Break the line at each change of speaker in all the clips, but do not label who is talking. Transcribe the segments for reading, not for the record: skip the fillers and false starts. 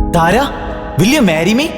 Thara, will you marry me?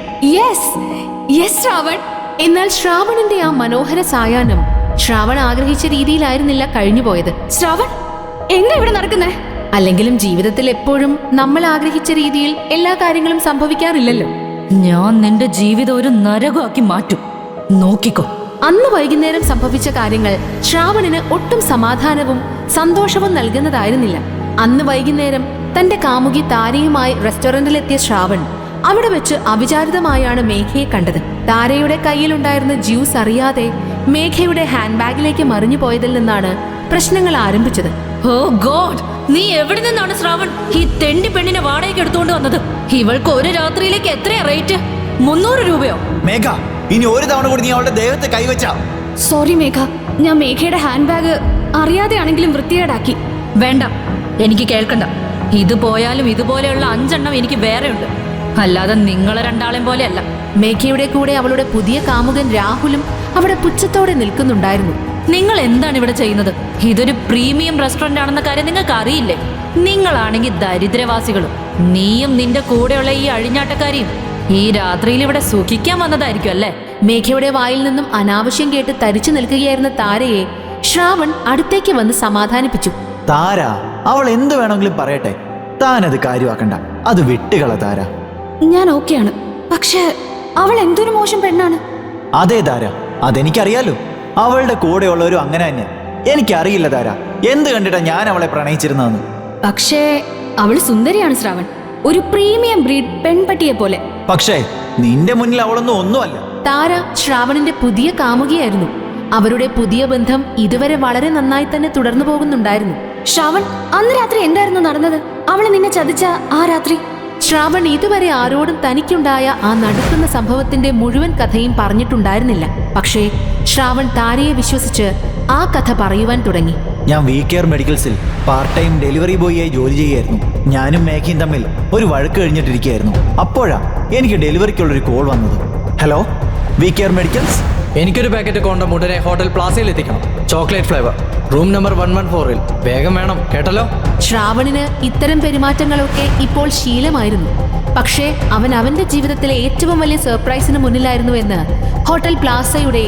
Yes Shravan. എന്നാൽ ശ്രാവണിന്റെ ആ മനോഹര സായാഹ്നം ശ്രാവൺ ആഗ്രഹിച്ച രീതിയിലായിരുന്നില്ല കഴിഞ്ഞുപോയത്.
ശ്രാവൺ, എന്താ ഇവിടെ നടക്കുന്നേ?
അല്ലെങ്കിലും ജീവിതത്തിൽ എപ്പോഴും നമ്മൾ ആഗ്രഹിച്ച രീതിയിൽ എല്ലാ കാര്യങ്ങളും സംഭവിക്കാറില്ലല്ലോ.
ഞാൻ നിന്റെ ജീവിതം ഒരു നരകമാക്കി മാറ്റും, നോക്കിക്കോ.
അന്ന് വൈകുന്നേരം സംഭവിച്ച കാര്യങ്ങൾ ശ്രാവണിന് ഒട്ടും സമാധാനവും സന്തോഷവും നൽകുന്നതായിരുന്നില്ല. അന്ന് വൈകുന്നേരം തന്റെ കാമുകി താരയുമായി റെസ്റ്റോറന്റിലെത്തിയ ശ്രാവൺ അവിടെ വെച്ച് അവിചാരിതമായാണ് മേഘയെ കണ്ടത്. താരയുടെ കയ്യിലുണ്ടായിരുന്ന ജ്യൂസ് അറിയാതെ മേഘയുടെ ഹാൻഡ് ബാഗിലേക്ക് മറിഞ്ഞു പോയതിൽ നിന്നാണ് പ്രശ്നങ്ങൾ ആരംഭിച്ചത്.
ഓ ഗോഡ്, നീ എവിടെ നിന്നാണ് ശ്രാവൺ ഈ തെണ്ടി പെണ്ണിനെ വാടകയ്ക്ക് എടുത്തുകൊണ്ട് വന്നത്? ഇവൾക്ക് ഒരു രാത്രിയിലേക്ക് എത്രയാ റേറ്റ്? 300 രൂപയോ?
മേഘ, ഇനി ഒരു തവണ കൂടി നീ അവളുടെ ദേഹത്തെ കൈവച്ച.
സോറി മേഘ, ഞാൻ മേഘയുടെ ഹാൻഡ് ബാഗ് അറിയാതെയാണെങ്കിലും വൃത്തികേടാക്കി.
വേണ്ട, എനിക്ക് കേൾക്കണ്ട. ഇത് പോയാലും ഇതുപോലെയുള്ള 5 എണ്ണം എനിക്ക് വേറെ ഉണ്ട്, അല്ലാതെ നിങ്ങളെ രണ്ടാളെയും പോലെയല്ല.
മേഘയുടെ കൂടെ അവളുടെ പുതിയ കാമുകൻ രാഹുലും അവിടെ പുച്ഛത്തോടെ നിൽക്കുന്നുണ്ടായിരുന്നു.
നിങ്ങൾ എന്താണ് ഇവിടെ ചെയ്യുന്നത്? ഇതൊരു പ്രീമിയം റെസ്റ്റോറന്റ് ആണെന്ന കാര്യം നിങ്ങൾക്ക് അറിയില്ലേ? നിങ്ങളാണെങ്കിൽ ദരിദ്രവാസികളും. നീയും നിന്റെ കൂടെയുള്ള ഈ അഴിഞ്ഞാട്ടക്കാരിയും ഈ രാത്രിയിൽ ഇവിടെ സുഖിക്കാൻ വന്നതായിരിക്കും അല്ലേ?
മേഘയുടെ വായിൽ നിന്നും അനാവശ്യം കേട്ട് തരിച്ചു നിൽക്കുകയായിരുന്ന താരയെ ശ്രാവൺ അടുത്തേക്ക് വന്ന് സമാധാനിപ്പിച്ചു.
താര, അവൾ എന്ത് വേണമെങ്കിലും പറയട്ടെ, താനത് കാര്യമാക്കണ്ട. അത് വിട്ടുകള താര.
ഞാൻ ഓക്കെയാണ്, പക്ഷെ അവൾ എന്തൊരു മോശം പെണ്ണാണ്.
അതെ താര, അതെനിക്കറിയാലോ. അവളുടെ കൂടെയുള്ളവരും അങ്ങനെ തന്നെ. എനിക്കറിയില്ല താര, എന്ത് കണ്ടിട്ടാ ഞാൻ അവളെ പ്രണയിച്ചിരുന്നതെന്ന്.
പക്ഷേ അവൾ സുന്ദരിയാണ് ശ്രാവൺ, ഒരു പ്രീമിയം ബ്രീഡ് പെൺപട്ടിയെ പോലെ.
പക്ഷേ നിന്റെ മുന്നിൽ അവളൊന്നും ഒന്നുമല്ല.
താര ശ്രാവണിന്റെ പുതിയ കാമുകിയായിരുന്നു. അവരുടെ പുതിയ ബന്ധം ഇതുവരെ വളരെ നന്നായി തന്നെ തുടർന്നു പോകുന്നുണ്ടായിരുന്നു.
ശ്രാവൺ, അന്ന് രാത്രി എന്തായിരുന്നു നടന്നത്? അവള് നിന്നെ ചതിച്ച ആ രാത്രി?
ശ്രാവൺ ഇതുവരെ ആരോടും തനിക്കുണ്ടായ ആ നടക്കുന്ന സംഭവത്തിന്റെ മുഴുവൻ കഥയും പറഞ്ഞിട്ടുണ്ടായിരുന്നില്ല. പക്ഷേ ശ്രാവൺ താരയെ വിശ്വസിച്ച് ആ കഥ പറയുവാൻ തുടങ്ങി.
ഞാൻ VKR മെഡിക്കൽസിൽ പാർട്ട് ടൈം ഡെലിവറി ബോയിയായി ജോലി ചെയ്യായിരുന്നു. ഞാനും മേഘയും തമ്മിൽ ഒരു വഴക്ക് കഴിഞ്ഞിട്ടിരിക്കുകയായിരുന്നു. അപ്പോഴാ എനിക്ക് ഡെലിവറിക്കുള്ളൊരു കോൾ വന്നത്. Hello, VKR medicals.
എനിക്കൊരു പാക്കറ്റ് കോണ്ടം ഉടനെ ഹോട്ടൽ പ്ലാസയിൽ എത്തിക്കണം. Chocolate flavour, room number 114. വേഗം വേണം കേട്ടല്ലോ.
ശ്രാവണിന് ഇത്തരം പെരുമാറ്റങ്ങളൊക്കെ ഇപ്പോൾ ശീലമായിരുന്നു. പക്ഷേ അവൻ അവന്റെ ജീവിതത്തിലെ ഏറ്റവും വലിയ സർപ്രൈസിന് മുന്നിലായിരുന്നു എന്ന് ഹോട്ടൽ പ്ലാസയുടെ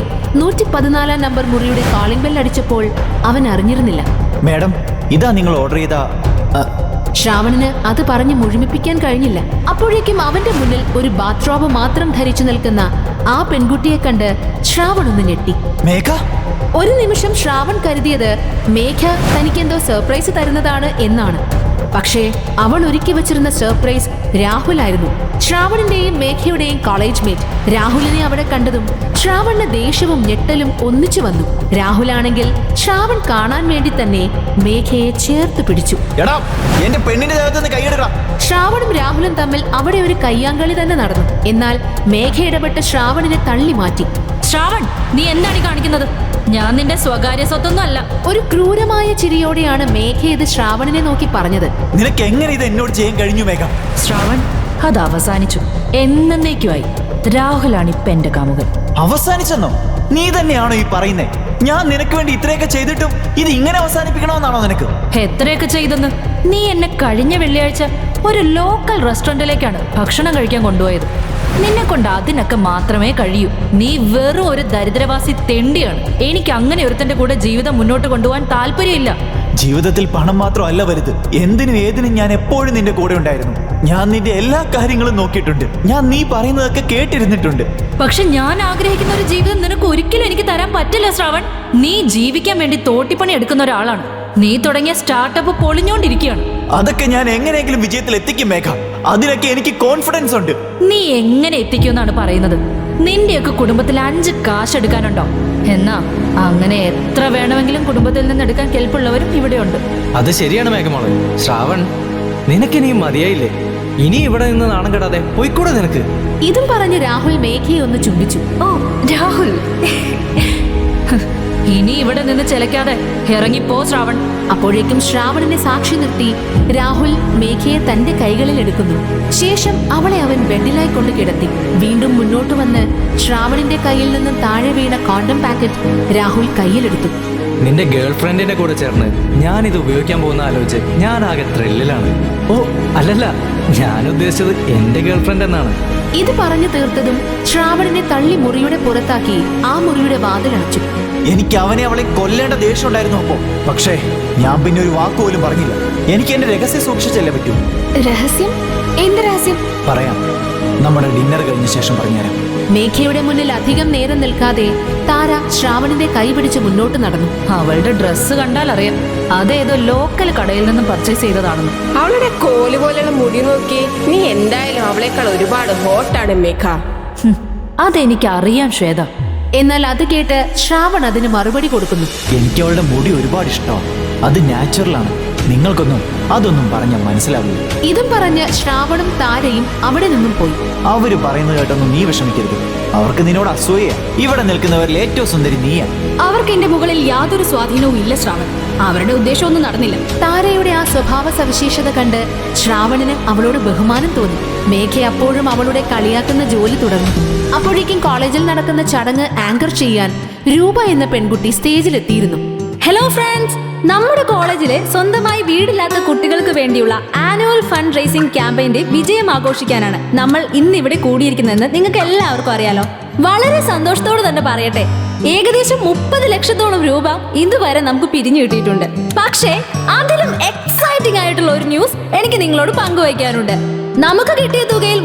114 നമ്പർ മുറിയുടെ കോളിംഗ് ബെൽ അടിച്ചപ്പോൾ അവൻ അറിഞ്ഞിരുന്നില്ല.
മാഡം, ഇതാ നിങ്ങൾ ഓർഡർ ചെയ്ത.
ശ്രാവണിന് അത് പറഞ്ഞ് മുഴുമിപ്പിക്കാൻ കഴിഞ്ഞില്ല. അപ്പോഴേക്കും അവന്റെ മുന്നിൽ ഒരു ബാത്റോബ് മാത്രം ധരിച്ചു നിൽക്കുന്ന ആ പെൺകുട്ടിയെ കണ്ട് ശ്രാവൺ ഒന്ന് ഞെട്ടി.
മേഘ.
ഒരു നിമിഷം ശ്രാവൺ കരുതിയത് മേഘ തനിക്കെന്തോ സർപ്രൈസ് തരുന്നതാണ് എന്നാണ്. പക്ഷേ അവൾ ഒരുക്കി വച്ചിരുന്ന സർപ്രൈസ് രാഹുലായിരുന്നു, ശ്രാവണിന്റെയും മേഘയുടെയും കോളേജ് മേറ്റ്. രാഹുലിനെ അവിടെ കണ്ടതും ശ്രാവണിന് ദേഷ്യവും ഞെട്ടലും ഒന്നിച്ചു വന്നു. രാഹുലാണെങ്കിൽ ശ്രാവൺ കാണാൻ വേണ്ടി തന്നെ മേഘയെ ചേർത്ത് പിടിച്ചു.
എന്റെ പെണ്ണിന്റെ ദേഹത്തുനിന്ന് കൈയെടുക്കണം.
ശ്രാവണും രാഹുലും തമ്മിൽ അവിടെ ഒരു കയ്യാങ്കളി തന്നെ നടന്നു. എന്നാൽ മേഘ ഇടപെട്ട് ശ്രാവണിനെ തള്ളി മാറ്റി.
ശ്രാവൺ, നീ എന്താണ് കാണിക്കുന്നത്? ഞാൻ നിന്റെ സ്വകാര്യ സ്വത്തൊന്നും അല്ല.
ഒരു ക്രൂരമായ ചിരിയോടെയാണ് മേഘ ഇത് ശ്രാവണിനെ നോക്കി പറഞ്ഞത്.
നിനക്ക് എങ്ങനെ ഇത് എന്നോട് ചെയ്യാൻ കഴിഞ്ഞു മേഘ?
ശ്രാവൺ, അത് അവസാനിച്ചു, എന്നേക്കുമായി. രാഹുലാണ് ഇപ്പൊ എന്റെ കാമുകൻ.
അവസാനിച്ചെന്നോ? നീ തന്നെയാണോ ഈ പറയുന്നേ? ഞാൻ നിനക്ക് വേണ്ടി ഇത്രയൊക്കെ ചെയ്തിട്ടും ഇത് ഇങ്ങനെ അവസാനിപ്പിക്കണമെന്നാണോ നിനക്ക്?
എത്രയൊക്കെ ചെയ്തെന്ന്? നീ എന്നെ കഴിഞ്ഞ വെള്ളിയാഴ്ച ഒരു ലോക്കൽ റെസ്റ്റോറന്റിലേക്കാണ് ഭക്ഷണം കഴിക്കാൻ കൊണ്ടുപോയത്. നിന്നെ കൊണ്ട് അതിനൊക്കെ മാത്രമേ കഴിയൂ. നീ വെറും ഒരു ദരിദ്രവാസി തെണ്ടിയാണ്. എനിക്ക് അങ്ങനെ ഒരുത്തന്റെ കൂടെ ജീവിതം മുന്നോട്ട് കൊണ്ടുപോകാൻ താല്പര്യമില്ല.
ജീവിതത്തിൽ പണം മാത്രമല്ല വലുത്. എന്തിനും ഏതിനും ഞാൻ എപ്പോഴും നിന്റെ കൂടെ ഉണ്ടായിരുന്നു. ഞാൻ നിന്റെ എല്ലാ കാര്യങ്ങളും നോക്കിയിട്ടുണ്ട്. ഞാൻ നീ പറയുന്നതൊക്കെ കേട്ടിരുന്നിട്ടുണ്ട്.
പക്ഷെ ഞാൻ ആഗ്രഹിക്കുന്ന ഒരു ജീവിതം നിനക്ക് ഒരിക്കലും എനിക്ക് തരാൻ പറ്റില്ല ശ്രാവൺ. നീ ജീവിക്കാൻ വേണ്ടി തോട്ടിപ്പണി എടുക്കുന്ന ഒരാളാണ്. നീ തുടങ്ങിയ സ്റ്റാർട്ടപ്പ് പൊളിഞ്ഞോണ്ടിരിക്കുകയാണ്.
അതൊക്കെ ഞാൻ എങ്ങനെയെങ്കിലും വിജയത്തിൽ എത്തിക്കും മേഘ. അതിനൊക്കെ എനിക്ക് കോൺഫിഡൻസ് ഉണ്ട്.
നീ എങ്ങനെ എത്തിക്കുമെന്നാണ് പറയുന്നത്? നിന്റെയൊക്കെ കുടുംബത്തിൽ 5 കാശ് എടുക്കാനുണ്ടോ? എന്നാ അങ്ങനെ എത്ര വേണമെങ്കിലും കുടുംബത്തിൽ നിന്ന് എടുക്കാൻ കെൽപ്പുള്ളവരും ഇവിടെയുണ്ട്.
അത് ശരിയാണ് മേഘമോളെ. ശ്രാവൺ, നിനക്കിനി മതിയായില്ലേ? ഇനി ഇവിടെ നിന്ന് നാണം കെടാതെ പോയിക്കൂടെ നിനക്ക്?
ഇതും പറഞ്ഞ് രാഹുൽ മേഘയെ ഒന്ന് ചുംബിച്ചു.
ഓ രാഹുൽ, ഇനി ഇവിടെ നിന്ന് ചിലക്കാതെ ഇറങ്ങിപ്പോ ശ്രാവൺ.
അപ്പോഴേക്കും ശ്രാവണിനെ സാക്ഷി നിർത്തി രാഹുൽ മേഘയെ തന്റെ കൈകളിൽ എടുക്കുന്നു. ശേഷം അവളെ അവൻ ബെഡിലായി കൊണ്ട് കിടത്തി. വീണ്ടും മുന്നോട്ട് വന്ന് ശ്രാവണിന്റെ കയ്യിൽ നിന്നും താഴെ വീണ കോണ്ടം പാക്കറ്റ് രാഹുൽ കയ്യിലെടുത്തു.
നിന്റെ ഗേൾ ഫ്രണ്ടിന്റെ കൂടെ ചേർന്ന് ഞാനിത് ഉപയോഗിക്കാൻ പോകുന്ന ആലോചിച്ച് ഞാൻ ആകെ ത്രില്ലിലാണ്. ഓ അല്ലല്ല, ഞാൻ ഉദ്ദേശിച്ചത് എന്റെ ഗേൾഫ്രണ്ട് എന്നാണ്.
ഇത് പറഞ്ഞു തീർത്തതും ശ്രാവണിനെ തള്ളി മുറിയുടെ പുറത്താക്കി ആ മുറിയുടെ വാതിലടച്ചു.
എനിക്ക് അവളെ കൊല്ലേണ്ട ദേഷ്യം ഉണ്ടായിരുന്നു അപ്പോ. പക്ഷേ ഞാൻ പിന്നെ ഒരു വാക്ക് പോലും പറഞ്ഞില്ല. എനിക്ക് എന്റെ രഹസ്യം സൂക്ഷിച്ചല്ലേ പറ്റൂ.
രഹസ്യം? എന്ത് രഹസ്യം?
പറയാം, നമ്മുടെ ഡിന്നർ കഴിഞ്ഞ ശേഷം പറഞ്ഞുതരാം.
മേഘയുടെ മുന്നിൽ അധികം നേരം നിൽക്കാതെ താര ശ്രാവണിന്റെ കൈ പിടിച്ച് മുന്നോട്ട് നടന്നു.
അവളുടെ ഡ്രസ്സ് കണ്ടാൽ അറിയാം അതേതോ ലോക്കൽ കടയിൽ നിന്നും പർച്ചേസ് ചെയ്തതാണെന്ന്.
അവളുടെ കോല് പോലെയുള്ള മുടി നോക്കി, നീ എന്തായാലും അവളെക്കാൾ ഒരുപാട് ഹോട്ടാണ് മേഘ.
അതെനിക്ക് അറിയാം ശ്വേത.
എന്നാൽ അത് കേട്ട് ശ്രാവൺ അതിന് മറുപടി കൊടുക്കുന്നു.
എനിക്ക് അവളുടെ മുടി ഒരുപാട് ഇഷ്ടമാണ്. അത് നാച്ചുറലാണ്. നിങ്ങൾക്കൊന്നും അതൊന്നും പറഞ്ഞാൽ മനസ്സിലാവില്ല.
ഇതും പറഞ്ഞ് ശ്രാവണും താരയും അവിടെ നിന്നും പോയി.
അവര് പറയുന്നത് കേട്ടൊന്നും നീ വിഷമിക്കരുത്. അവർക്ക് നിന്നോട് അസൂയ. ഇവിടെ നിൽക്കുന്നവരിൽ ഏറ്റവും സുന്ദരി നീയാ.
അവർക്ക് എന്റെ മുകളിൽ യാതൊരു സ്വാധീനവും ഇല്ല ശ്രാവൺ. അവരുടെ ഉദ്ദേശമൊന്നും നടന്നില്ല.
താരയുടെ ആ സ്വഭാവ സവിശേഷത കണ്ട് ശ്രാവണിന് അവളോട് ബഹുമാനം തോന്നി. മേഘ അപ്പോഴും അവളുടെ കളിയാക്കുന്ന ജോലി തുടർന്നു. അപ്പോഴേക്കും കോളേജിൽ നടക്കുന്ന ചടങ്ങ് ആങ്കർ ചെയ്യാൻ രൂപ എന്ന പെൺകുട്ടി സ്റ്റേജിലെത്തിയിരുന്നു.
ഹലോ ഫ്രണ്ട്സ്, നമ്മുടെ കോളേജിലെ സ്വന്തമായി വീടില്ലാത്ത കുട്ടികൾക്ക് വേണ്ടിയുള്ള ആനുവൽ ഫണ്ട് റേസിംഗ് ക്യാമ്പയിന്റെ വിജയം ആഘോഷിക്കാനാണ് നമ്മൾ ഇന്ന് ഇവിടെ കൂടിയിരിക്കുന്നതെന്ന് നിങ്ങൾക്ക് എല്ലാവർക്കും അറിയാലോ. വളരെ സന്തോഷത്തോടെ തന്നെ പറയട്ടെ, ഏകദേശം 30 ലക്ഷത്തോളം രൂപ ഇതുവരെ നമുക്ക് പിരിഞ്ഞു കിട്ടിയിട്ടുണ്ട്. പക്ഷേ അതിലും എക്സൈറ്റിംഗ് ആയിട്ടുള്ള ഒരു ന്യൂസ് എനിക്ക് നിങ്ങളോട് പങ്കുവയ്ക്കാനുണ്ട്. നമുക്ക് കിട്ടിയ തുകയിൽ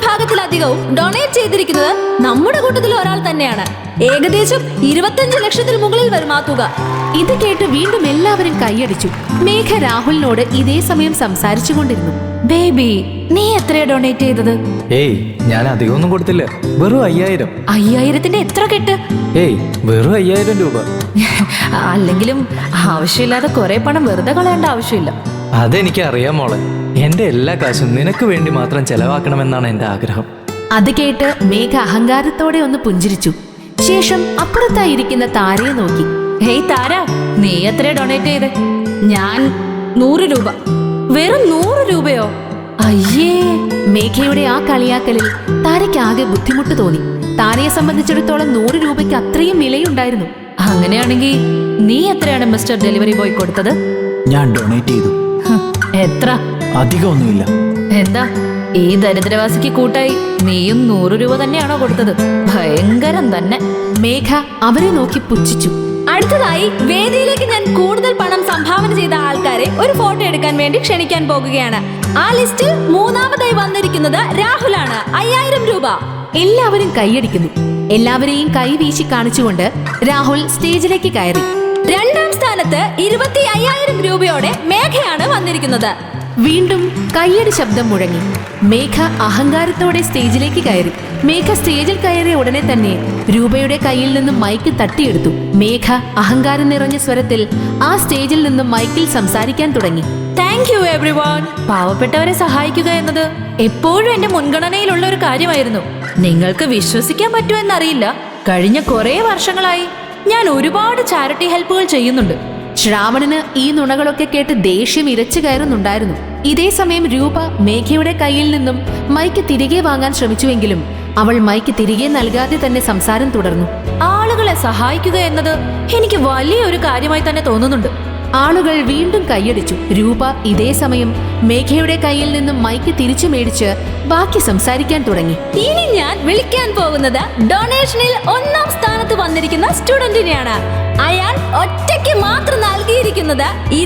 3/4 ഡൊണേറ്റ് ചെയ്തിരിക്കുന്നത് നമ്മുടെ കൂട്ടത്തിൽ ഒരാൾ തന്നെയാണ്. ഏകദേശം 25 ലക്ഷത്തിൽ മുകളിൽ വരും ആ തുക.
ഇത് കേട്ട് വീണ്ടും എല്ലാവരും കൈയടിച്ചു. മേഘ രാഹുലിനോട് ഇതേ സമയം സംസാരിച്ചു കൊണ്ടിരുന്നു.
ബേബി, നീ എത്രയാ ഡൊണേറ്റ് ചെയ്തത്?
ഏയ്, ഞാൻ അധികമൊന്നും കൊടുത്തില്ല. വെറും 5000.
5000ന്റെ എത്ര കെട്ട്?
ഏയ്, വെറും 5000 രൂപ.
അല്ലെങ്കിലും ആവശ്യമില്ലാതെ കുറെ പണം വെറുതെ കളയേണ്ട ആവശ്യമില്ല.
അതെനിക്ക് അറിയാം മോളെ. എന്റെ എല്ലാ കാശും നിനക്ക് വേണ്ടി മാത്രം ചെലവാക്കണമെന്നാണ് എന്റെ ആഗ്രഹം.
അത് കേട്ട് മേഘ അഹങ്കാരത്തോടെ ഒന്ന് പുഞ്ചിരിച്ചു. ശേഷം അപ്പുറത്തായിരിക്കുന്ന താരയെ നോക്കി.
ഹേയ് താര, നീ എത്രയാ ഡൊണേറ്റ് ചെയ്തേ?
ഞാൻ 100 രൂപ.
വെറും 100 രൂപയോ? അയ്യേ.
മേഘയുടെ ആ കളിയാക്കലിൽ താരയ്ക്ക് ആകെ ബുദ്ധിമുട്ട് തോന്നി. താരയെ സംബന്ധിച്ചിടത്തോളം 100 രൂപയ്ക്ക് അത്രയും വിലയുണ്ടായിരുന്നു.
അങ്ങനെയാണെങ്കിൽ നീ എത്രയാണ് മിസ്റ്റർ ഡെലിവറി ബോയ് കൊടുത്തത്?
ഞാൻ ഡൊണേറ്റ് ചെയ്തു.
എത്ര?
അധികമൊന്നുമില്ല.
എന്താ ഈ ദരിദ്രവാസിക്ക് കൂട്ടായി നീയും 100 രൂപ തന്നെയാണോ കൊടുത്തത്? ഭയങ്കരം തന്നെ.
മേഘ അവരെ നോക്കി പുച്ഛിച്ചു.
അടുത്തതായി വേദിയിലേക്ക് ഞാൻ കൂടുതൽ പണം സംഭാവന ചെയ്ത ആൾക്കാരെ ഒരു ഫോട്ടോ എടുക്കാൻ വേണ്ടി ക്ഷണിക്കാൻ പോകുകയാണ്. ആ ലിസ്റ്റിൽ 3-ാമതായി വന്നിരിക്കുന്നത് രാഹുലാണ്. 5000 രൂപ.
എല്ലാവരും കൈയടിക്കുന്നു. എല്ലാവരെയും കൈ വീശി കാണിച്ചുകൊണ്ട് രാഹുൽ സ്റ്റേജിലേക്ക് കയറി.
2-ാം സ്ഥാനത്ത് 25,000 രൂപയോടെ മേഘയാണ് വന്നിരിക്കുന്നത്.
വീണ്ടും കയ്യടി ശബ്ദം മുഴങ്ങി. മേഘ അഹങ്കാരത്തോടെ സ്റ്റേജിലേക്ക് കയറി. മേഘ സ്റ്റേജിൽ കയറിയ ഉടനെ തന്നെ രൂപയുടെ കയ്യിൽ നിന്നും മൈക്ക് തട്ടിയെടുത്തു. മേഘ അഹങ്കാരം നിറഞ്ഞ സ്വരത്തിൽ ആ സ്റ്റേജിൽ നിന്നും മൈക്കിൽ സംസാരിക്കാൻ തുടങ്ങി.
Thank you everyone. പാവപ്പെട്ടവരെ സഹായിക്കുക എന്നത് എപ്പോഴും എന്റെ മുൻഗണനയിലുള്ള ഒരു കാര്യമായിരുന്നു. നിങ്ങൾക്ക് വിശ്വസിക്കാൻ പറ്റുമോ എന്നറിയില്ല, കഴിഞ്ഞ കുറേ വർഷങ്ങളായി ഞാൻ ഒരുപാട് ചാരിറ്റി ഹെൽപ്പുകൾ ചെയ്യുന്നുണ്ട്.
ശ്രാവണന് ഈ നുണകളൊക്കെ കേട്ട് ദേഷ്യം ഇരച്ചു കയറുന്നുണ്ടായിരുന്നു. ഇതേ സമയം രൂപ മേഘയുടെ കയ്യിൽ നിന്നും മൈക്ക് തിരികെ വാങ്ങാൻ ശ്രമിച്ചുവെങ്കിലും അവൾ മൈക്ക് തിരികെ നൽകാതെ തന്നെ സംസാരം തുടർന്നു.
ആളുകളെ സഹായിക്കുക എന്നത് എനിക്ക് വലിയൊരു കാര്യമായി തന്നെ തോന്നുന്നുണ്ട്.
ആളുകൾ വീണ്ടും കൈയടിച്ചു. രൂപ ഇതേ സമയം മേഘയുടെ കയ്യിൽ നിന്നും മൈക്ക് തിരിച്ചു മേടിച്ച് ബാക്കി സംസാരിക്കാൻ തുടങ്ങി.
ഇനി ഞാൻ വിളിക്കാൻ പോകുന്നത് ഡൊണേഷനിൽ 1-ാം സ്ഥാനത്ത് വന്നിരിക്കുന്ന സ്റ്റുഡന്റിനെയാണ്. അയാൾ ഒറ്റയ്ക്ക് മാത്രം നൽകിയിരിക്കുന്നത്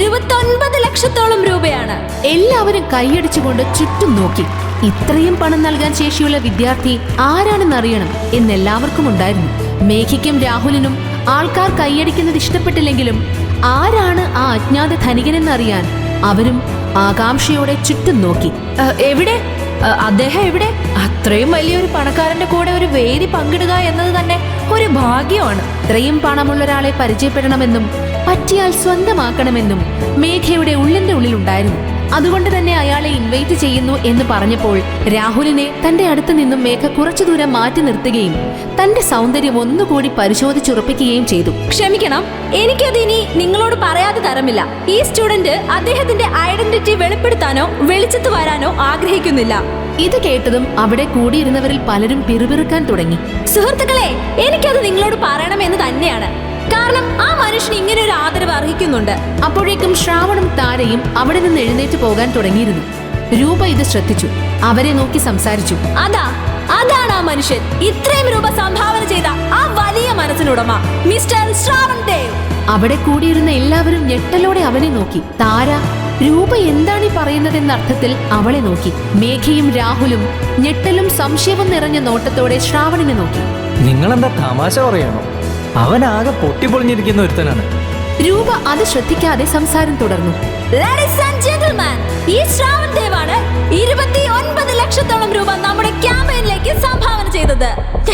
29 ലക്ഷത്തോളം രൂപയാണ്.
എല്ലാവരും കൈയടിച്ചുകൊണ്ട് ചുറ്റും നോക്കി. ഇത്രയും പണം നൽകാൻ ശേഷിയുള്ള വിദ്യാർത്ഥി ആരാണെന്നറിയണം എന്നെല്ലാവർക്കും ഉണ്ടായിരുന്നു. മേഘയ്ക്കും രാഹുലിനും ആൾക്കാർ കൈയടിക്കുന്നത് ഇഷ്ടപ്പെട്ടില്ലെങ്കിലും ആരാണ് ആ അജ്ഞാത ധനികനെന്നറിയാൻ അവരും ആകാംക്ഷയോടെ ചുറ്റും നോക്കി.
എവിടെ അദ്ദേഹം? എവിടെ? അത്രയും വലിയൊരു പണക്കാരന്റെ കൂടെ ഒരു വേദി പങ്കിടുക എന്നത് തന്നെ ഒരു ഭാഗ്യമാണ്.
ഇത്രയും പണമുള്ള ഒരാളെ പരിചയപ്പെടണമെന്നും പറ്റിയാൽ സ്വന്തമാക്കണമെന്നും മേഘയുടെ ഉള്ളിന്റെ ഉള്ളിലുണ്ടായിരുന്നു. അതുകൊണ്ട് തന്നെ അയാളെ ഇൻവൈറ്റ് ചെയ്യുന്നു എന്ന് പറഞ്ഞപ്പോൾ രാഹുലിനെ തന്റെ അടുത്ത് നിന്നും മേഘ കുറച്ചു ദൂരം മാറ്റി നിർത്തുകയും തന്റെ സൗന്ദര്യം ഒന്നുകൂടി പരിശോധിച്ചുറപ്പിക്കുകയും ചെയ്തു.
ക്ഷമിക്കണം, എനിക്കത് ഇനി നിങ്ങളോട് പറയാതെ തരമില്ല. ഈ സ്റ്റുഡന്റ് അദ്ദേഹത്തിന്റെ ഐഡന്റിറ്റി വെളിപ്പെടുത്താനോ വെളിച്ചത്ത് വരാനോ ആഗ്രഹിക്കുന്നില്ല.
ഇത് കേട്ടതും അവിടെ കൂടിയിരുന്നവരിൽ പലരും പിറുപിറുക്കാൻ തുടങ്ങി.
സുഹൃത്തുക്കളെ, എനിക്കത് നിങ്ങളോട് പറയണമെന്ന് തന്നെയാണ്. കാരണം ആ മനുഷ്യന് ഇങ്ങനെ ഒരു ആദരവ് അർഹിക്കുന്നുണ്ട്.
അപ്പോഴേക്കും ശ്രാവണും താരയും അവിടെ നിന്ന് എഴുന്നേറ്റ് പോകാൻ തുടങ്ങിയിരുന്നു. രൂപ ഇത് ശ്രദ്ധിച്ചു. അവരെ നോക്കി സംസാരിച്ചു.
അതാണ് ആ മനുഷ്യൻ, ഇത്രയും രൂപ സംഭാവന ചെയ്ത ആ വലിയ മനസ്സിനുടമ മിസ്റ്റർ ശ്രാവൺ ദേവ്.
അവിടെ കൂടിയിരുന്ന എല്ലാവരും ഞെട്ടലോടെ അവനെ നോക്കി. താര രൂപ എന്താണ് ഈ പറയുന്നതെന്ന അർത്ഥത്തിൽ അവളെ നോക്കി. മേഘയും രാഹുലും ഞെട്ടലും സംശയവും നിറഞ്ഞ നോട്ടത്തോടെ ശ്രാവണിനെ നോക്കി.
നിങ്ങളെന്താ തമാശ പറയാണോ? അവനാകെ പൊട്ടിപ്പൊളിഞ്ഞിരിക്കുന്ന ഒരുത്തനാണ്.
രൂപ അത് ശ്രദ്ധിക്കാതെ സംസാരം തുടർന്നു.
Ladies and gentlemen, ഈ ശ്രാവൺ ദേവാണ് 29 ലക്ഷത്തോളം രൂപ നമ്മുടെ ക്യാമ്പയിനിലേക്ക് സംഭാവന ചെയ്തത്.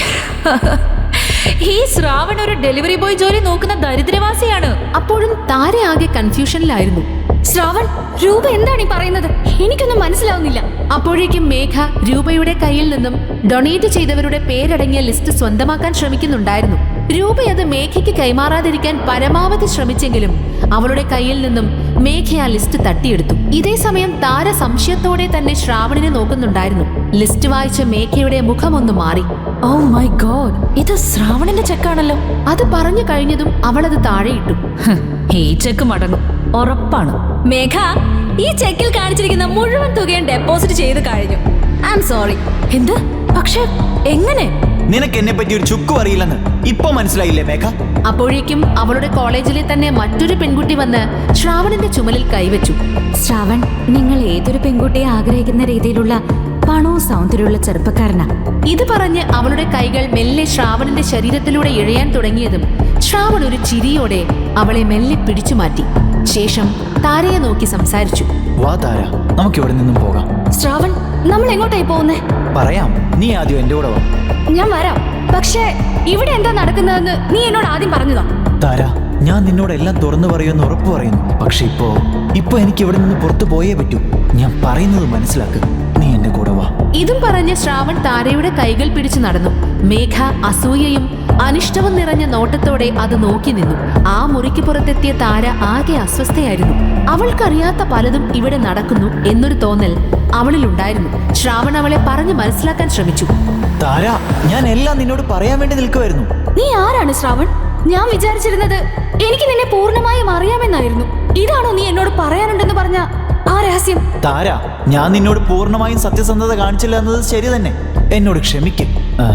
ഈ ശ്രാവൺ ഒരു ഡെലിവറി ബോയ് ജോലി നോക്കുന്ന ദരിദ്രവാസിയാണ്.
അപ്പോഴും താര ആകെ കൺഫ്യൂഷനിലായിരുന്നു.
ശ്രാവൺ, രൂപ എന്താണ് ഈ പറയുന്നത്? എനിക്കൊന്നും മനസ്സിലാവുന്നില്ല.
അപ്പോഴേക്കും മേഘ രൂപയുടെ കയ്യിൽ നിന്നും ഡൊണേറ്റ് ചെയ്തവരുടെ പേരടങ്ങിയ ലിസ്റ്റ് സ്വന്തമാക്കാൻ ശ്രമിക്കുന്നുണ്ടായിരുന്നു. രൂപ അത് മേഘയ്ക്ക് കൈമാറാതിരിക്കാൻ പരമാവധി ശ്രമിച്ചെങ്കിലും അവളുടെ കയ്യിൽ നിന്നും മേഘ ആ ലിസ്റ്റ് തട്ടിയെടുത്തു. ഇതേ സമയം താര സംശയത്തോടെ തന്നെ ശ്രാവണിനെ നോക്കുന്നുണ്ടായിരുന്നു. ലിസ്റ്റ് വായിച്ച മേഘയുടെ മുഖമൊന്നു മാറി.
ഓ മൈ ഗോഡ്, ഇത് ശ്രാവണിന്റെ ചെക്കാണല്ലോ.
അത് പറഞ്ഞു കഴിഞ്ഞതും അവളത് താഴെയിട്ടു.
ഈ ചെക്ക് മടങ്ങും, ഉറപ്പാണ്.
മേഘ, ഈ ചെക്കിൽ കാണിച്ചിരിക്കുന്ന മുഴുവൻ തുകയും ഡെപ്പോസിറ്റ് ചെയ്ത് കഴിഞ്ഞു. I am sorry.
എന്ത്? പക്ഷെ എങ്ങനെ?
നിനക്ക് എന്നെ പറ്റി ഒരു ചുക്കും അറിയില്ലെന്ന് ഇപ്പൊ മനസ്സിലായില്ലേ മേഘ?
അപ്പോഴേക്കും അവളുടെ കോളേജിലെ തന്നെ മറ്റൊരു പെൺകുട്ടി വന്ന് ശ്രാവണിന്റെ ചുമലിൽ കൈവച്ചു.
ശ്രാവൺ, നിങ്ങൾ ഏതൊരു പെൺകുട്ടിയെ ആഗ്രഹിക്കുന്ന രീതിയിലുള്ള പണവും സൗന്ദര്യമുള്ള ചെറുപ്പക്കാരനാ.
ഇത് പറഞ്ഞ് അവളുടെ കൈകൾ മെല്ലെ ശ്രാവണിന്റെ ശരീരത്തിലൂടെ ഇഴയാൻ തുടങ്ങിയതും ശ്രാവൺ ഒരു ചിരിയോടെ അവളെ മെല്ലെ പിടിച്ചു മാറ്റി. ശേഷം താരയെ നോക്കി സംസാരിച്ചു.
വാ താര, നമുക്ക് ഇവിടെ നിന്നും പോകാം.
ശ്രാവൺ, നമ്മൾ എങ്ങോട്ടായി പോകുന്നേ?
പറയാം, നീ ആദ്യം എന്റെ കൂടെ വാ.
ഞാൻ വരാം. പക്ഷേ ഇവിടെ എന്താ നടക്കുന്നതെന്ന് നീ എന്നോട് ആദ്യം പറഞ്ഞതാ.
താര, ഞാൻ നിന്നോട് എല്ലാം തുറന്നു പറയുമെന്ന് ഉറപ്പ് പറയുന്നു. പക്ഷെ ഇപ്പോ എനിക്ക് ഇവിടെ നിന്ന് പുറത്തു പോയേ പറ്റൂ. ഞാൻ പറയുന്നത് മനസ്സിലാക്ക്. നീ എന്റെ കൂടെ വാ.
ഇതും പറഞ്ഞ് ശ്രാവൺ താരയുടെ കൈകൾ പിടിച്ചു നടന്നു. മേഘ അസൂയയും അനിഷ്ടവും നിറഞ്ഞ നോട്ടത്തോടെ അത് നോക്കി നിന്നു. ആ മുറിക്ക് പുറത്തെത്തിയ താര ആകെ അസ്വസ്ഥയായിരുന്നു. അവൾക്കറിയാത്ത പലതും ഇവിടെ നടക്കുന്നു എന്നൊരു തോന്നൽ അവളിലുണ്ടായിരുന്നു. ശ്രാവൺ അവളെ പറഞ്ഞു മനസ്സിലാക്കാൻ ശ്രമിച്ചു.
താര, ഞാൻ എല്ലാം നിന്നോട് പറയാൻ വേണ്ടി നിൽക്കുമായിരുന്നു.
നീ ആരാണ് ശ്രാവൺ? ഞാൻ വിചാരിച്ചിരുന്നത് എനിക്ക് നിന്നെ പൂർണ്ണമായും അറിയാമെന്നായിരുന്നു. ഇതാണോ നീ എന്നോട് പറയാനുണ്ടെന്ന് പറഞ്ഞ ആ രഹസ്യം?
താര, ഞാൻ നിന്നോട് പൂർണ്ണമായും സത്യസന്ധത കാണിച്ചില്ല എന്നത് ശരി തന്നെ. എന്നോട് ക്ഷമിക്കും.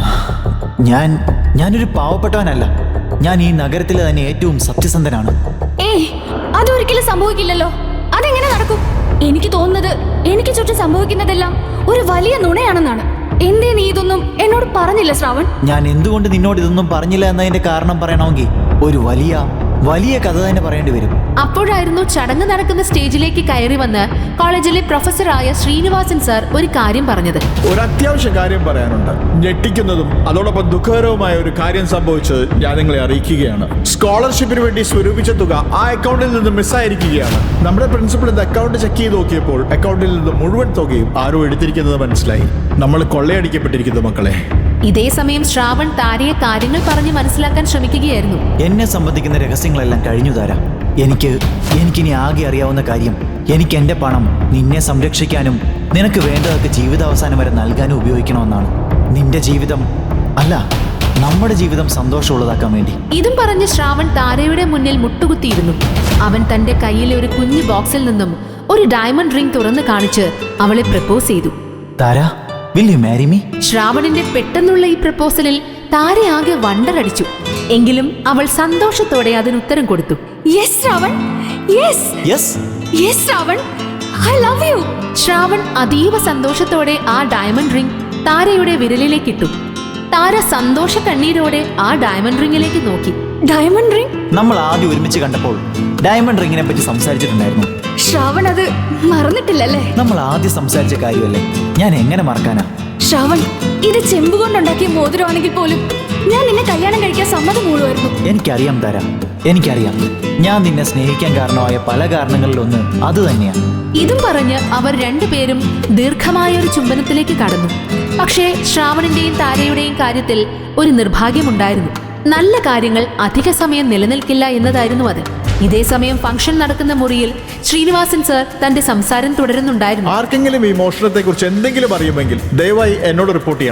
ഞാനൊരു പാവപ്പെട്ടവനല്ല. ഞാൻ ഈ നഗരത്തിലെ തന്നെ ഏറ്റവും സത്യസന്ധനാണ്.
ഏയ്, അതൊരിക്കലും സംഭവിക്കില്ലല്ലോ. അതെങ്ങനെ നടക്കും? എനിക്ക് തോന്നുന്നത് എനിക്ക് ചുറ്റും സംഭവിക്കുന്നതെല്ലാം ഒരു വലിയ നുണയാണെന്നാണ്. എന്തേ നീ ഇതൊന്നും എന്നോട് പറഞ്ഞില്ല ശ്രാവൺ?
ഞാൻ എന്തുകൊണ്ട് നിന്നോട് ഇതൊന്നും പറഞ്ഞില്ല എന്നതിന്റെ കാരണം പറയണമെങ്കിൽ ഒരു വലിയ കഥ തന്നെ പറയേണ്ടി വരും.
അപ്പോഴായിരുന്നു ചടങ്ങ് നടക്കുന്ന സ്റ്റേജിലേക്ക് കയറി വന്ന് കോളേജിലെ പ്രൊഫസറായ ശ്രീനിവാസൻ സാർ ഒരു കാര്യം പറഞ്ഞത്.
ഒരു അത്യാവശ്യ കാര്യം പറയാനുണ്ട്. ഞെട്ടിക്കുന്നതും അതോടൊപ്പം ദുഃഖകരവുമായ ഒരു കാര്യം സംഭവിച്ചത് ഞാൻ നിങ്ങളെ അറിയിക്കുകയാണ്. സ്കോളർഷിപ്പിന് വേണ്ടി സ്വരൂപിച്ച തുക ആ അക്കൗണ്ടിൽ നിന്ന് മിസ്സായിരിക്കുകയാണ്. നമ്മുടെ പ്രിൻസിപ്പൽ ഇത് അക്കൗണ്ട് ചെക്ക് ചെയ്ത് നോക്കിയപ്പോൾ അക്കൗണ്ടിൽ നിന്ന് മുഴുവൻ തുകയും ആരോ എടുത്തിരിക്കുന്നത് മനസ്സിലായി. നമ്മൾ കൊള്ളയടിക്കപ്പെട്ടിരിക്കുന്നു മക്കളെ.
ഇതേ സമയം ശ്രാവൺ താരയെ കാര്യങ്ങൾ പറഞ്ഞ് മനസ്സിലാക്കാൻ ശ്രമിക്കുകയായിരുന്നു.
എന്നെ സംബന്ധിക്കുന്ന രഹസ്യങ്ങളെല്ലാം കഴിഞ്ഞു തരാം. എനിക്കിനി ആകെ അറിയാവുന്ന കാര്യം, എനിക്ക് എന്റെ പണം നിന്നെ സംരക്ഷിക്കാനും നിനക്ക് വേണ്ടതൊക്കെ ജീവിതാവസാനം വരെ നൽകാനും ഉപയോഗിക്കണമെന്നാണ്. നിന്റെ ജീവിതം അല്ല, നമ്മുടെ ജീവിതം സന്തോഷമുള്ളതാക്കാൻ വേണ്ടി.
ഇതും പറഞ്ഞ് ശ്രാവൺ താരയുടെ മുന്നിൽ മുട്ടുകുത്തിയിരുന്നു. അവൻ തന്റെ കയ്യിലെ ഒരു കുഞ്ഞു ബോക്സിൽ നിന്നും ഒരു ഡയമണ്ട് റിംഗ് തുറന്നു കാണിച്ച് അവളെ പ്രപ്പോസ് ചെയ്തു.
താര, will you marry me?
ശ്രാവണിന്റെ പെട്ടെന്നുള്ള ഈ പ്രപ്പോസലിൽ താരയാകെ വണ്ടറടിച്ചു. എങ്കിലും അവൾ സന്തോഷത്തോടെ അതിന് ഉത്തരം കൊടുത്തു.
Yes Shravan, yes yes Shravan, I love you.
Shravan അതീവ സന്തോഷത്തോടെ ആ ഡയമണ്ട് റിംഗ് താരയുടെ വിരലിലേക്ക് ഇട്ടു. താര സന്തോഷ കണ്ണീരോടെ ആ ഡയമണ്ട് റിംഗിലേക്ക് നോക്കി.
Diamond ring?
നമ്മൾ ആദ്യം ഒരുമിച്ച് കണ്ടപ്പോൾ ഡയമണ്ട് റിംഗിനെ പറ്റി സംസാരിച്ചിട്ടുണ്ടായിരുന്നു.
ശ്രാവൺ അത് മറന്നിട്ടില്ലല്ലേ?
നമ്മൾ ആദ്യം സംസാരിച്ച കാര്യമല്ലേ, ഞാൻ എങ്ങനെ മറക്കാനാ?
ശ്രാവൺ, ഇത് ചെമ്പ് കൊണ്ടുണ്ടാക്കിയ മോതിരമാണെങ്കിൽ പോലും ഞാൻ നിന്നെ കല്യാണം കഴിക്കാൻ സമ്മതം മൂളുമായിരുന്നു.
എനിക്കറിയാം താര, എനിക്കറിയാം. ഞാൻ നിന്നെ സ്നേഹിക്കാൻ കാരണമായ പല കാരണങ്ങളിലൊന്ന് അത് തന്നെയാണ്.
ഇതും പറഞ്ഞ് അവർ രണ്ടുപേരും ദീർഘമായ ഒരു ചുംബനത്തിലേക്ക് കടന്നു. പക്ഷേ ശ്രാവണിന്റെയും താരയുടെയും കാര്യത്തിൽ ഒരു നിർഭാഗ്യമുണ്ടായിരുന്നു. നല്ല കാര്യങ്ങൾ അധിക സമയം നിലനിൽക്കില്ല എന്നതായിരുന്നു അത്. ഇതേ സമയം ഫംഗ്ഷൻ നടക്കുന്ന മുറിയിൽ ശ്രീനിവാസൻ സർ തന്റെ സംസാരം തുടരുന്നുണ്ടായിരുന്നു.
ആർക്കെങ്കിലും ഈ മോഷണത്തെ കുറിച്ച് എന്തെങ്കിലും അറിയുമെങ്കിൽ ദയവായി എന്നോട് റിപ്പോർട്ട് ചെയ്യണം.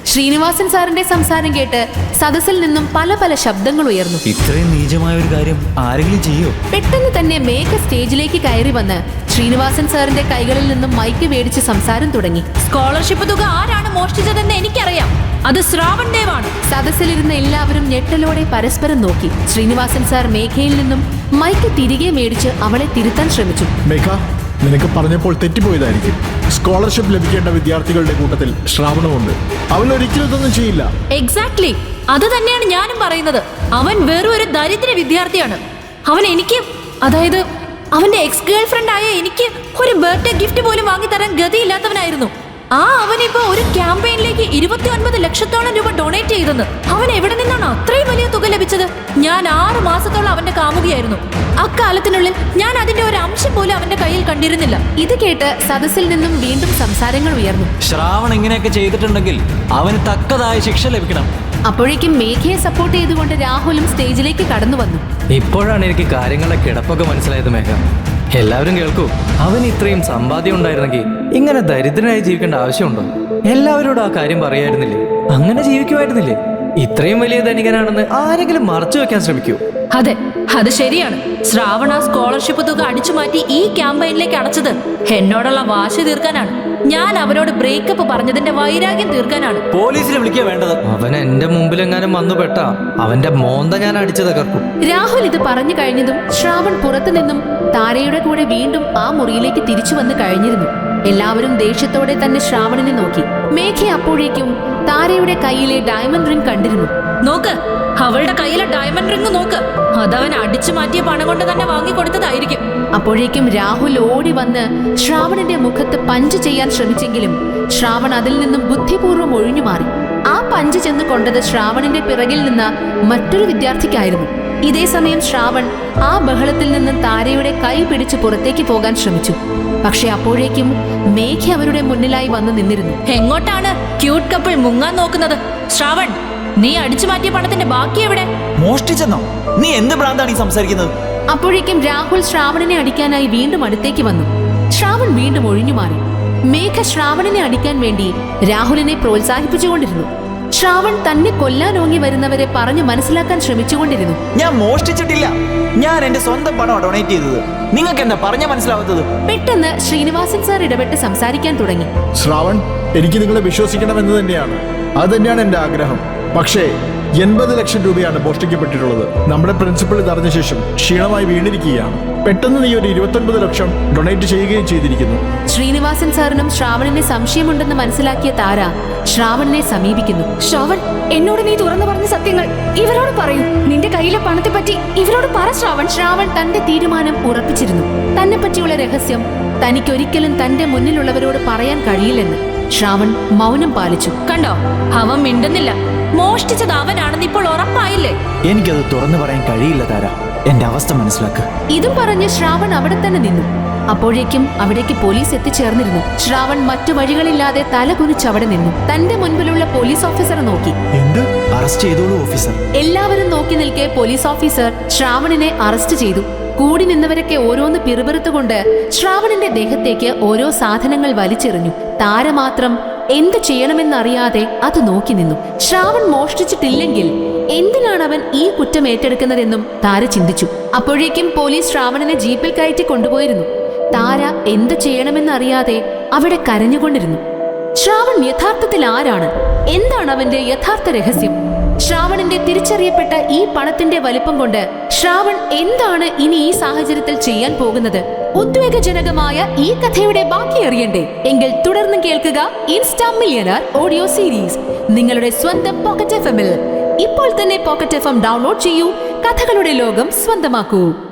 ശ്രീനിവാസൻ സാറിന്റെ സംസാരം കേട്ട് സദസ്സിൽ നിന്നും പല പല ശബ്ദങ്ങൾ ഉയർന്നു.
ഇത്രയും നീചമായ ഒരു കാര്യം ആരെങ്കിലും ചെയ്യോ?
പെട്ടെന്ന് തന്നെ മേഘ സ്റ്റേജിലേക്ക് കയറി വന്ന് ശ്രീനിവാസൻ സാറിന്റെ കൈകളിൽ നിന്നും മൈക്ക് മേടിച്ച് സംസാരം തുടങ്ങി.
സ്കോളർഷിപ്പ് തുക ആരാണ് മോഷ്ടിച്ചതെന്ന് എനിക്കറിയാം. അത് ശ്രാവൺ ദേവാണ്.
സദസ്സിലിരുന്ന എല്ലാവരും ഞെട്ടലോടെ പരസ്പരം നോക്കി. ശ്രീനിവാസൻ സാർ മേഘയിൽ നിന്നും മൈക്ക് തിരികെ മേടിച്ച് അവളെ തിരുത്താൻ ശ്രമിച്ചു.
മേഘ, നിനക്ക് പറഞ്ഞപ്പോൾ തെറ്റിപ്പോയതായിരിക്കും. സ്കോളർഷിപ്പ് ലഭിക്കേണ്ട വിദ്യാർത്ഥികളുടെ കൂട്ടത്തിൽ ശ്രാവണമുണ്ട്. അവൻ ഒരിക്കലും ഇതൊന്നും ചെയ്യില്ല.
എക്സാക്ട്ലി, അത് തന്നെയാണ് ഞാനും പറയുന്നത്. അവൻ വെറും ഒരു ദരിദ്ര വിദ്യാർത്ഥിയാണ്. അവൻ എനിക്ക്, അതായത് അവന്റെ എക്സ് ഗേൾ ഫ്രണ്ട് ആയ എനിക്ക് ഒരു ബർത്ത്ഡേ ഗിഫ്റ്റ് പോലും വാങ്ങിത്തരാൻ ഗതിയില്ലാത്തവനായിരുന്നു. അവനിപ്പോ ഒരു ക്യാമ്പയിനിലേക്ക് 29 ലക്ഷത്തോളം രൂപ ഡൊണേറ്റ് ചെയ്തെന്ന്. അവൻ എവിടെ നിന്നാണ് അത്രയും വലിയ തുക ലഭിച്ചത്? ഞാൻ 6 മാസത്തോളം അവന്റെ കാമുകിയായിരുന്നു. അക്കാലത്തിനുള്ളിൽ ഞാൻ അതിന്റെ ഒരു അംശം പോലും അവന്റെ കയ്യിൽ കണ്ടിരുന്നില്ല.
ഇത് കേട്ട് സദസ്സിൽ നിന്നും വീണ്ടും സംസാരങ്ങൾ ഉയർന്നു.
ശ്രാവൺ ഇങ്ങനെയൊക്കെ ചെയ്തിട്ടുണ്ടെങ്കിൽ അവന് തക്കതായ ശിക്ഷ ലഭിക്കണം.
അപ്പോഴേക്കും മേഘയെ സപ്പോർട്ട് ചെയ്തുകൊണ്ട് രാഹുലും സ്റ്റേജിലേക്ക് കടന്നു വന്നു.
ഇപ്പോഴാണ് എനിക്ക് കാര്യങ്ങളുടെ കിടപ്പൊക്കെ മനസ്സിലായത് മേഘ. എല്ലാവരും കേൾക്കൂ, അവന് ഇത്രയും സമ്പാദ്യം ഉണ്ടായിരുന്നെങ്കിൽ ഇങ്ങനെ ദരിദ്രനായി ജീവിക്കേണ്ട ആവശ്യമുണ്ടോ? എല്ലാവരോടും ആ കാര്യം പറയായിരുന്നില്ലേ? അങ്ങനെ ജീവിക്കുമായിരുന്നില്ലേ? ഇത്രയും വലിയ ധനികനാണെന്ന് ആരെങ്കിലും മറച്ചു വെക്കാൻ ശ്രമിക്കൂ.
അതെ, അത് ശരിയാണ്. ശ്രാവണ സ്കോളർഷിപ്പ് തുക അടിച്ചു മാറ്റി ഈ ക്യാമ്പയിനിലേക്ക് അടച്ചത് എന്നോടുള്ള വാശി തീർക്കാനാണ്. ഞാൻ അവനോട് ബ്രേക്കപ്പ് പറഞ്ഞതിന്റെ വൈരാഗ്യം തീർക്കാനാണ്.
പോലീസിനെ വിളിക്കുക വേണ്ടത്.
അവൻ എന്റെ മുമ്പിലെങ്ങാനും വന്നു പെട്ടാ അവന്റെ മോന്ത ഞാൻ അടിച്ചു തകർക്കും.
രാഹുൽ ഇത് പറഞ്ഞു കഴിഞ്ഞതും ശ്രാവൺ പുറത്തു നിന്നും താരയുടെ കൂടെ വീണ്ടും ആ മുറിയിലേക്ക് തിരിച്ചു വന്ന് കഴിഞ്ഞിരുന്നു. എല്ലാവരും ദേഷ്യത്തോടെ തന്നെ ശ്രാവണിനെ നോക്കി. മേഘ അപ്പോഴേക്കും താരയുടെ കയ്യിലെ ഡയമണ്ട് റിംഗ് കണ്ടിരുന്നു.
നോക്ക്, അവളുടെ കയ്യിലെ ഡയമണ്ട് റിംഗ് നോക്ക്. അതവൻ അടിച്ചു മാറ്റിയ പണം കൊണ്ട് തന്നെ വാങ്ങിക്കൊടുത്തതായിരിക്കും.
അപ്പോഴേക്കും രാഹുൽ ഓടി വന്ന് ശ്രാവണിന്റെ മുഖത്ത് പഞ്ച് ചെയ്യാൻ ശ്രമിച്ചെങ്കിലും ശ്രാവൺ അതിൽ നിന്നും ബുദ്ധിപൂർവ്വം ഒഴിഞ്ഞു മാറി. ആ പഞ്ച് ചെന്ന് കൊണ്ടത് ശ്രാവണിന്റെ പിറകിൽ നിന്ന് മറ്റൊരു വിദ്യാർത്ഥിക്കായിരുന്നു. ഇതേ സമയം ശ്രാവൺ ആ ബഹളത്തിൽ നിന്നും താരയുടെ കൈ പിടിച്ച് പുറത്തേക്ക് പോകാൻ ശ്രമിച്ചു. പക്ഷെ അപ്പോഴേക്കും മേഘ അവരുടെ മുന്നിലായി വന്നു നിന്നിരുന്നു.
എങ്ങോട്ടാണ് ക്യൂട്ട് കപ്പിൾ മുങ്ങാൻ നോക്കുന്നത്? ശ്രാവൺ, നീ അടിച്ചു മാറ്റിയ പണത്തിന്റെ ബാക്കി എവിടെ?
മോഷ്ടിച്ചെന്നോ? നീ എന്ത് ഭ്രാന്താണ് ഈ സംസാരിക്കുന്നത്?
അപ്പോഴേക്കും രാഹുൽ ശ്രാവണിനെ അടിക്കാനായി വീണ്ടും അടുത്തേക്ക് വന്നു. ശ്രാവൺ വീണ്ടും ഒഴിഞ്ഞു മാറി. മേഘ ശ്രാവണിനെ അടിക്കാൻ വേണ്ടി രാഹുലിനെ പ്രോത്സാഹിപ്പിച്ചുകൊണ്ടിരുന്നു. ശ്രാവൺ തന്നെ കൊല്ലാനോങ്ങി വരുന്നവരെ പറഞ്ഞു മനസ്സിലാക്കാൻ ശ്രമിച്ചുകൊണ്ടിരുന്നു.
ഞാൻ മോഷ്ടിച്ചിട്ടില്ല. ഞാൻ എന്റെ സ്വന്തം പണം ഡൊണേറ്റ് ചെയ്തത്. നിങ്ങൾക്ക് എന്താ പറഞ്ഞ മനസ്സിലാവാത്തത്?
പെട്ടെന്ന് ശ്രീനിവാസൻ സാർ ഇടപെട്ട് സംസാരിക്കാൻ തുടങ്ങി.
ശ്രാവൺ, എനിക്ക് നിങ്ങളെ വിശ്വസിക്കണമെന്ന് തന്നെയാണ്. അത് തന്നെയാണ് എന്റെ ആഗ്രഹം. പക്ഷേ 80 ലക്ഷം രൂപയാണ് മോഷ്ടിക്കപ്പെട്ടിട്ടുള്ളത്. നമ്മുടെ പ്രിൻസിപ്പൽ ഇതറിഞ്ഞ ശേഷം ക്ഷീണമായി വീണിരിക്കുകയാണ്. പെട്ടെന്ന് നീ ഒരു 29 ലക്ഷം ഡൊണേറ്റ് ചെയ്യുകയും ചെയ്തിരിക്കുന്നു.
ശ്രീനിവാസൻ സാറിനും ശ്രാവണിനെ സംശയമുണ്ടെന്ന് മനസ്സിലാക്കിയ താര ശ്രാവണിനെ സമീപിക്കുന്നു.
ശ്രാവൺ, എന്നോട് നീ തുറന്നു പറഞ്ഞ സത്യങ്ങൾ ഇവരോട് പറയൂ. നിന്റെ കയ്യിലെ പണത്തെ പറ്റി ഇവരോട് പറ ശ്രാവൺ.
ശ്രാവൺ തന്റെ തീരുമാനം ഉറപ്പിച്ചിരുന്നു. തന്നെ പറ്റിയുള്ള രഹസ്യം തനിക്കൊരിക്കലും തന്റെ മുന്നിലുള്ളവരോട് പറയാൻ കഴിയില്ലെന്ന്. ശ്രാവൺ മൗനം പാലിച്ചു.
കണ്ടോ, അവൻ മിണ്ടുന്നില്ല. മോഷ്ടിച്ചത് അവനാണെന്ന് ഇപ്പോൾ ഉറപ്പായില്ലേ?
എനിക്കത് തുറന്നു പറയാൻ കഴിയില്ല താര. എന്റെ അവസ്ഥ മനസ്സിലാക്കുക.
ഇതും പറഞ്ഞ് ശ്രാവൺ അവിടെ തന്നെ നിന്നു. അപ്പോഴേക്കും അവിടേക്ക് പോലീസ് എത്തിച്ചേർന്നിരുന്നു. ശ്രാവൺ മറ്റു വഴികളില്ലാതെ തല കുനിച്ച് അവിടെ നിന്നു. തന്റെ മുൻപിലുള്ള പോലീസ് ഓഫീസറെ നോക്കി.
എന്ത്? അറസ്റ്റ് ചെയ്തോളൂ ഓഫീസർ.
എല്ലാവരും നോക്കി നിൽക്കെ പോലീസ് ഓഫീസർ ശ്രാവണിനെ അറസ്റ്റ് ചെയ്തു. കൂടി നിന്നവരൊക്കെ ഓരോന്ന് പിറുപിറുത്തുകൊണ്ട് ശ്രാവണിന്റെ ദേഹത്തേക്ക് ഓരോ സാധനങ്ങൾ വലിച്ചെറിഞ്ഞു. താര മാത്രം എന്ത് ചെയ്യണമെന്നറിയാതെ അത് നോക്കി നിന്നു. ശ്രാവൺ മോഷ്ടിച്ചിട്ടില്ലെങ്കിൽ എന്തിനാണ് അവൻ ഈ കുറ്റം ഏറ്റെടുക്കുന്നതെന്നും താര ചിന്തിച്ചു. അപ്പോഴേക്കും പോലീസ് ശ്രാവണിനെ ജീപ്പിൽ കയറ്റി കൊണ്ടുപോയിരുന്നു. താര എന്ത് ചെയ്യണമെന്നറിയാതെ അവിടെ കരഞ്ഞുകൊണ്ടിരുന്നു. ശ്രാവൺ യഥാർത്ഥത്തിൽ ആരാണ്? എന്താണ് അവന്റെ യഥാർത്ഥ രഹസ്യം? ശ്രാവണിന്റെ തിരിച്ചറിയപ്പെട്ട ഈ പണത്തിന്റെ വലിപ്പം കൊണ്ട് ശ്രാവൺ എന്താണ് ഇനി ഈ സാഹചര്യത്തിൽ ചെയ്യാൻ പോകുന്നത്? ഉദ്വേഗജനകമായ ഈ കഥയുടെ ബാക്കി അറിയണ്ടേ? എങ്കിൽ തുടർന്ന് കേൾക്കുക ഇൻസ്റ്റാ മില്യണർ ഓഡിയോ സീരീസ് നിങ്ങളുടെ സ്വന്തം പോക്കറ്റ് FM-ൽ. ഇപ്പോൾ തന്നെ പോക്കറ്റ് FM ഡൗൺലോഡ് ചെയ്യൂ. കഥകളുടെ ലോകം സ്വന്തമാക്കൂ.